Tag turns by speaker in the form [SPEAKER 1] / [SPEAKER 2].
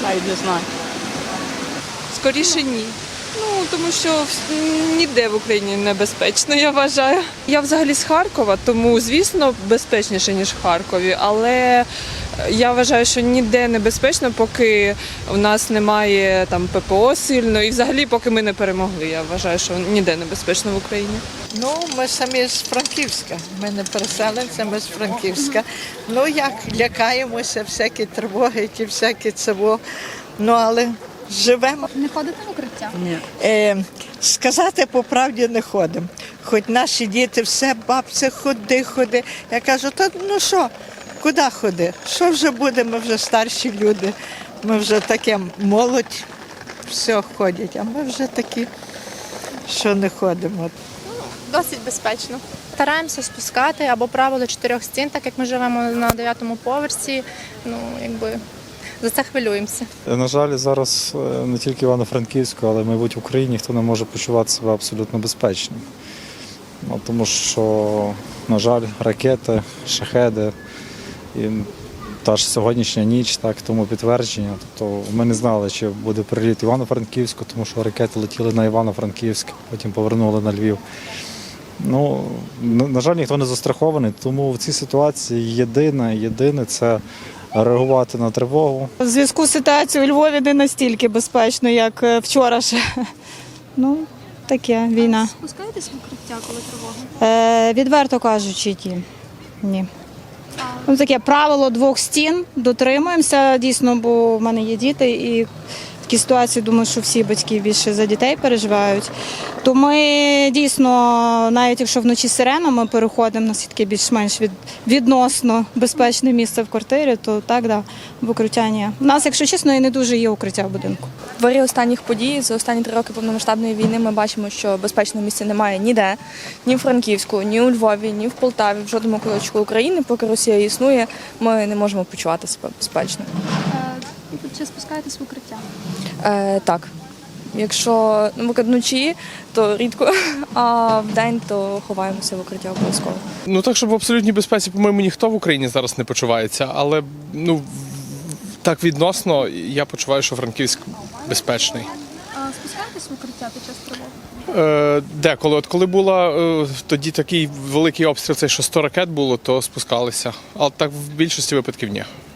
[SPEAKER 1] навіть не знаю.
[SPEAKER 2] Скоріше ні. Ну, тому що ніде в Україні небезпечно, я вважаю. Я взагалі з Харкова, тому, звісно, безпечніше, ніж в Харкові. Але я вважаю, що ніде небезпечно, поки в нас немає там ППО сильно. І взагалі, поки ми не перемогли. Я вважаю, що ніде небезпечно в Україні.
[SPEAKER 3] Ну, ми самі з Франківська. Ми не переселенці, ми з Франківська. Ну, як, лякаємося, всякі тривоги, ті всякі цього. Ну, але живемо.
[SPEAKER 4] Не ходите в укриття?
[SPEAKER 1] Ні.
[SPEAKER 3] Сказати по правді не ходимо. Хоч наші діти все, бабця, ходи. Я кажу, та ну що, куди ходи? Що вже буде, ми вже старші люди, ми вже таке молодь, все ходять, а ми вже такі, що не ходимо.
[SPEAKER 4] Досить безпечно. Стараємося спускати або правило 4 стін, так як ми живемо на 9-му поверсі. Ну, якби за це хвилюємося.
[SPEAKER 5] На жаль, зараз не тільки в Івано-Франківську, але, мабуть, в Україні ніхто не може почувати себе абсолютно безпечно. Ну, тому що, на жаль, ракети, шахеди і та ж сьогоднішня ніч, так, тому підтвердження. Тобто ми не знали, чи буде приліт Івано-Франківську, тому що ракети летіли на Івано-Франківськ, потім повернули на Львів. Ну, на жаль, ніхто не застрахований, тому в цій ситуації єдине – це реагувати на тривогу.
[SPEAKER 6] У зв'язку з ситуацією у Львові не настільки безпечно, як вчора ще. Ну, таке, війна.
[SPEAKER 4] Спускаєтесь в укриття, коли тривога?
[SPEAKER 6] Відверто кажучи, ні. Ну, таке правило 2 стін, дотримуємося дійсно, бо в мене є діти і в такій ситуації, думаю, що всі батьки більше за дітей переживають. То ми дійсно, навіть якщо вночі сирена, ми переходимо на таке більш-менш відносно безпечне місце в квартирі, то так, да, в укриття ні. У нас, якщо чесно, і не дуже є укриття в будинку.
[SPEAKER 7] В вирі останніх подій за останні 3 роки повномасштабної війни ми бачимо, що безпечного місця немає ніде, ні в Франківську, ні у Львові, ні в Полтаві, в жодному куточку України. Поки Росія існує, ми не можемо почувати себе безпечно.
[SPEAKER 4] Чи спускаєтесь в укриття?
[SPEAKER 7] Так. Якщо вночі, то рідко, а вдень то ховаємося в укриття обов'язково.
[SPEAKER 8] Ну так, щоб в абсолютній безпеці, по-моєму, ніхто в Україні зараз не почувається, але ну так відносно я почуваю, що Франківськ безпечний.
[SPEAKER 4] Спускаєтесь в укриття під час тривоги?
[SPEAKER 8] Деколи. От коли була тоді такий великий обстріл, це що 100 ракет було, то спускалися. Але так в більшості випадків ні.